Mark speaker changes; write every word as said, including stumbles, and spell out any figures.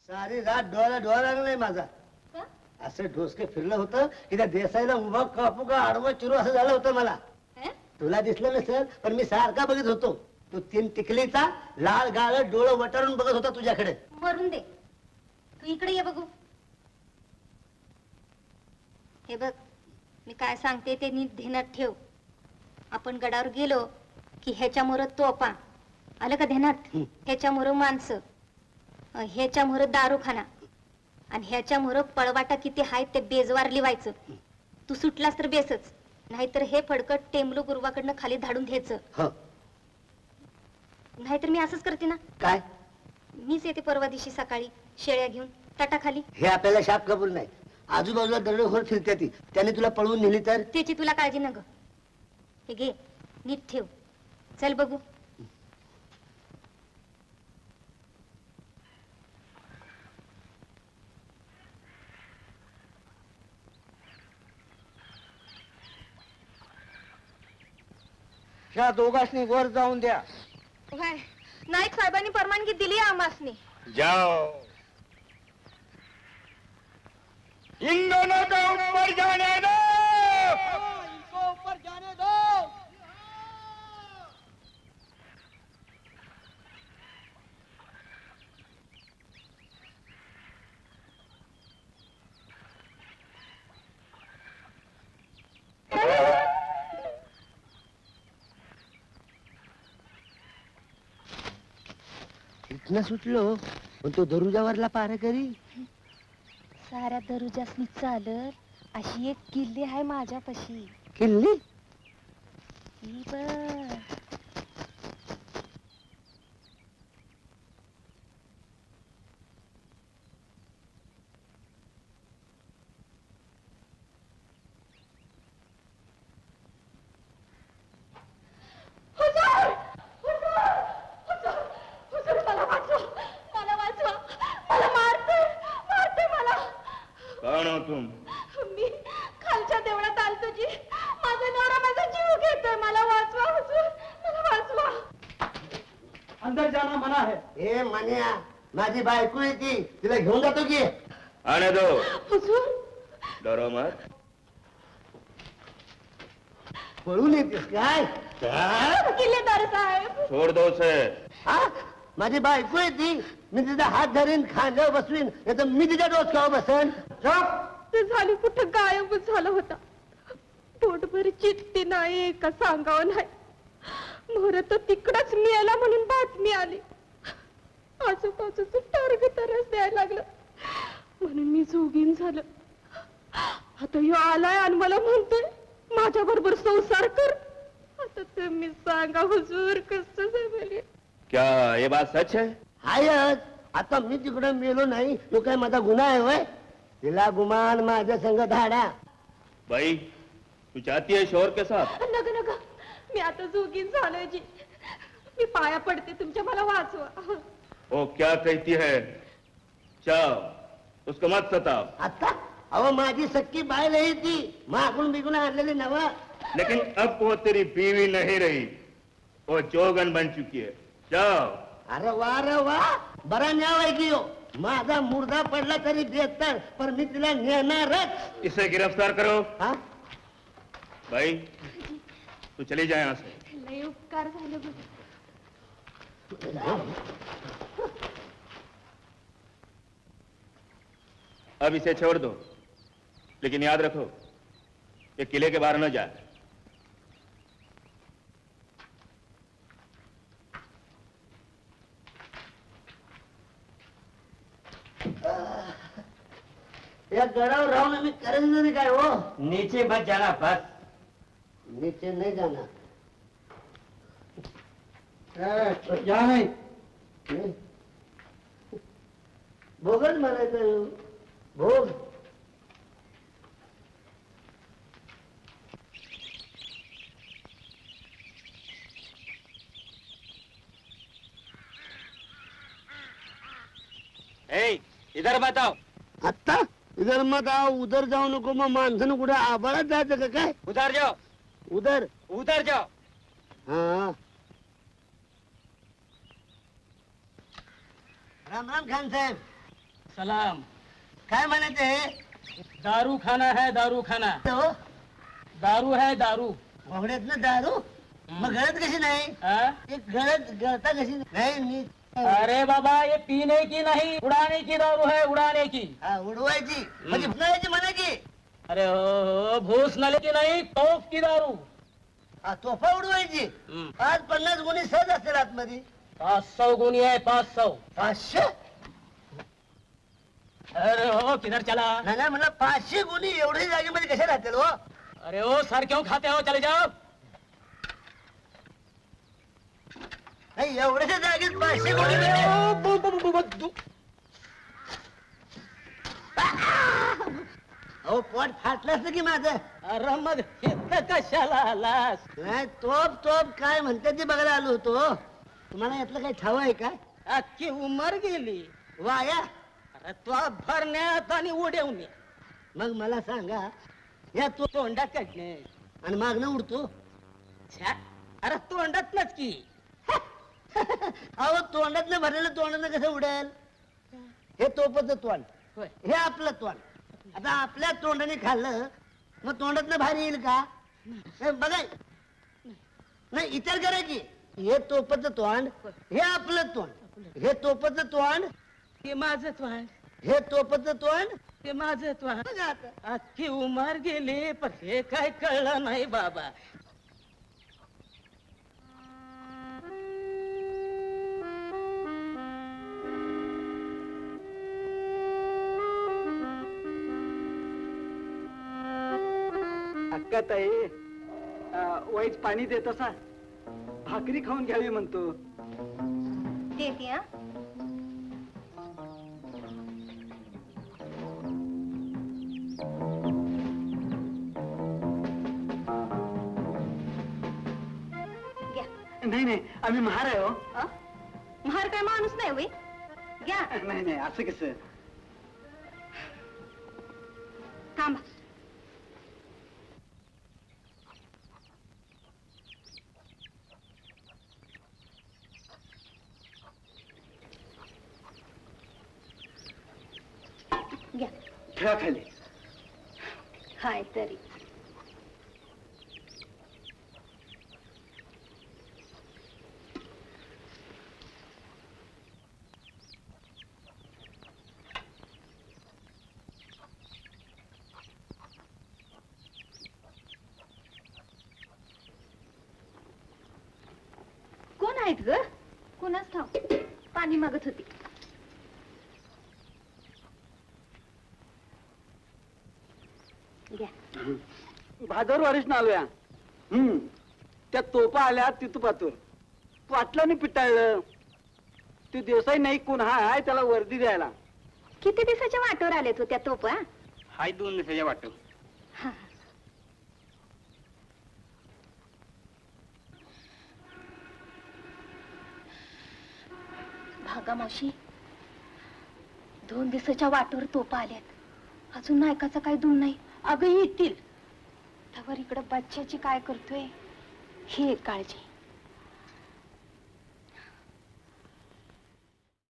Speaker 1: सारी रात डोळ्याला डोळा लागला नाही माझा. असं ढोसके फिरलं होतं की त्या देसाईला उभा कापू का आडवं चिरू असं झालं होतं मला. तुला दिसलं नसेल पण मी सारखा बघत होतो. तू तीन टिकलीचा लाल गाळ डोळं वटारून बघत होता तुझ्याकडे.
Speaker 2: मरून दे, तू इकडे ये बघू. हे बघ, मी काय सांगते ते नीट ध्यानात ठेव. आपण गडावर गेलो की ह्याच्यामुळं तोफा आलं का ध्यानात, ह्याच्यामुळं माणसं, ह्याच्यामुळं दारूखाना आणि ह्याच्यामुळं पळवाटा किती हाय ते बेजवार लिवायचं. तू सुटलास तर बेसच, नाहीतर हे फडकट टेमलू गुरुवाकडनं खाली धाडून घ्यायचं. नाहीतर मी असंच करते ना.
Speaker 1: काय?
Speaker 2: मीच येते परवा दिवशी सकाळी शेळ्या घेऊन ताटाखाली.
Speaker 1: हे आपल्याला शाप कबूल नाही. आजूबाजूला दरोडेखोर फिरते ती, त्याने तुला पळवून नेली तर?
Speaker 2: त्याची तुला काळजी न ग. हे घे, नीट ठेव. चल बघू.
Speaker 1: ह्या दोघांनी वर जाऊन द्या.
Speaker 2: नाईक साहेबांनी परवानगी दिली आमासनी.
Speaker 3: जाओ. इन दोनों को ऊपर जाने दो.
Speaker 1: इनको ऊपर जाने दो. इथनं सुटलो पण तो दरुजावरला पार करी.
Speaker 2: साऱ्या दरुजासनी चालत अशी एक किल्ली आहे माझ्यापाशी.
Speaker 1: किल्ली?
Speaker 2: ही बघ.
Speaker 3: कौन हो तुम?
Speaker 2: मी खालच्या देवळात आलतो जी. माझा नवरा माझा जीव घेतोय. मला वाचवा हुजूर, मला वाचवा.
Speaker 1: अंदर जाना मना है. ए मन्या, माझी बायको आहे ती, तिला घेऊन जातो की.
Speaker 3: आने दो.
Speaker 2: हुजूर,
Speaker 3: डरो मत.
Speaker 1: पळून येतेस काय?
Speaker 2: किल्लेदार साहेब.
Speaker 3: छोड़ दो उसे.
Speaker 1: हा? माझी बायको आहे ती. मी तिचा हात धरीन, खांद्यावर बसवीन, नाही तर मी तिच्या डोसक्यावर बसेन.
Speaker 2: ते झाली कुठं गायबच झाला होता. पोटभर चित्ती नाही का सांगावं नाही. मोर तो तिकडच मिळाला म्हणून बातमी आली. आजूबाजूच टार्ग तरच द्यायला लागलं म्हणून मी जोगीन झालं. आता ह्यो आलाय आणि मला म्हणतोय माझ्या बरोबर संसार कर. आता तुम्ही सांगा हुजूर कसं जमेल.
Speaker 3: क्या ये बात सच है?
Speaker 1: हायच. आता मी तिकडे मेलो नाही तो काय माझा गुन्हा आहे होय? तिला गुमान माझ्या संग धाडा.
Speaker 3: भाई तू चाहती है शोर के साथ?
Speaker 2: नग नग, मी आता जोगीन झालोय जी. मी पाया पडते तुमच्या, मला वाचवा.
Speaker 3: वो क्या कहती है? जाओ उसको मत सताओ.
Speaker 1: आता अहो माझी सक्की बाय नाही ती, मागून बिगून आणलेली नवा.
Speaker 3: लेकिन अब वो तेरी बीवी नहीं रही, वो जोगन बन चुकी है. जाओ.
Speaker 1: अरे वा रे वा, बरा न्याव आहे की हो. माझा मुर्दा पडला तरी बेहतर, पण मी तिला नेणारच.
Speaker 3: इसे गिरफ्तार करो.
Speaker 1: हा?
Speaker 3: भाई तू चली जाए यहाँ से.
Speaker 2: लय उपकार झाले बघ.
Speaker 3: अब इसे छोड़ दो, लेकिन याद रखो ये किले के बाहर न जाए.
Speaker 1: या गडावर राहून मी करेन नाही काय हो.
Speaker 4: नीचे मत जाना बस.
Speaker 1: नीचे नाही जाणार.
Speaker 4: या नहीं.
Speaker 1: भोगच म्हणायचं. भोग.
Speaker 4: ए, इधर बताओ.
Speaker 1: आता इधर मत आओ, उधर जाऊ नको. मग माणसानं कुठे आबाळात जायचं का काय?
Speaker 4: उधर जाओ.
Speaker 1: उधर.
Speaker 4: उधर जाओ.
Speaker 1: हाँ. राम राम खान साहेब.
Speaker 4: सलाम.
Speaker 1: काय म्हणायचे
Speaker 4: दारू खाना है दारू खाना.
Speaker 1: हो
Speaker 4: दारू है दारू.
Speaker 1: घोगड्यात ना दारू मग गळत कशी नाही
Speaker 4: हाँ?
Speaker 1: एक गळत गळता कशी नाही मी
Speaker 4: अरे बाबा ये पीने की नहीं उड़ाने की दारू है उड़ाने की.
Speaker 1: हा, उडवायची म्हणजे फुटायची म्हणा की
Speaker 4: अरे हो हो भूस नले की नहीं तोप की दारू.
Speaker 1: हा, तोफा उडवायची
Speaker 4: हम्म.
Speaker 1: पाच पन्नास गुणी सहज असतील आतमध्ये
Speaker 4: पाँच सौ गुनी है पाँच सौ.
Speaker 1: पाचशे
Speaker 4: अरे हो किधर चला.
Speaker 1: नाही नाही म्हणलं पाचशे गुणी एवढ्या जागेमध्ये कशा राहतील हो
Speaker 4: अरे ओ सर क्यों खाते हो चले जाओ.
Speaker 1: नाही एवढ्या जागेत पाचशे गुणी
Speaker 4: अरे ओ, बु- बु- बु- बु- दु-
Speaker 1: अहो पोट फाटलं असतं की माझं
Speaker 4: अरे मग इथं कशाला आलास.
Speaker 1: नाही तोप तोप काय म्हणते ते बघायला आलो होतो तुम्हाला यातलं काही ठाव आहे काय
Speaker 4: अख्खी उमर गेली.
Speaker 1: वाया
Speaker 4: अरे तो भरण्यात आणि उडवण्यात.
Speaker 1: मग मला सांगा या तो
Speaker 4: तोंडाकडने
Speaker 1: आणि मागणं उडतो
Speaker 4: छ्या. अरे तोंडातनच की.
Speaker 1: अहो तोंडातलं भरलेलं तोंडानं कसं उडेल हे तोपच तोंड
Speaker 4: होय.
Speaker 1: हे आपलं तोंड आता आपल्या तोंडाने खाल्लं मग तोंडातनं बाहेर येईल का हे बघाय नाही विचार करा की हे तोपच तोंड हे आपलं तोंड हे तोपच तोंड
Speaker 4: ते माझं त्वाण
Speaker 1: हे तोपच तोंड
Speaker 4: ते माझं त्वाण.
Speaker 1: बघा आता
Speaker 4: अख्खी उमर गेली पण हे काय कळलं नाही बाबा.
Speaker 5: अक्का ताई वाईच पाणी देत असा भाकरी खाऊन घ्यावी म्हणतो.
Speaker 2: देते हा. घ्या.
Speaker 5: नाही नाही आम्ही महार आहे हो.
Speaker 2: अ? महार काय माणूस नाही होय घ्या.
Speaker 5: नाही नाही असं कसं.
Speaker 2: थांबा. घ्या.
Speaker 5: ठेवा खाली.
Speaker 2: हाय तरी कोण आहेत ग कोणाच ठाव पाणी मागत होती. घ्या.
Speaker 5: भादर वारीस आलोया. हम्म त्या तोपा आल्या तिथपातूर पाटलाने पिटाळलं. ते देसाई नाही कोण हाय त्याला वर्दी द्यायला.
Speaker 2: किती दिवसाच्या वाटोवर आलेत होत्या तोपा.
Speaker 4: हाय दोन दिवसाच्या वाटत.
Speaker 2: भागा मावशी दोन दिवसाच्या वाटोवर तोपा आल्यात अजून नायकाचा काही दूर नाही. अगं येतील त्यावर इकडं बच्च्याची काय करतोय ही एक काळजी.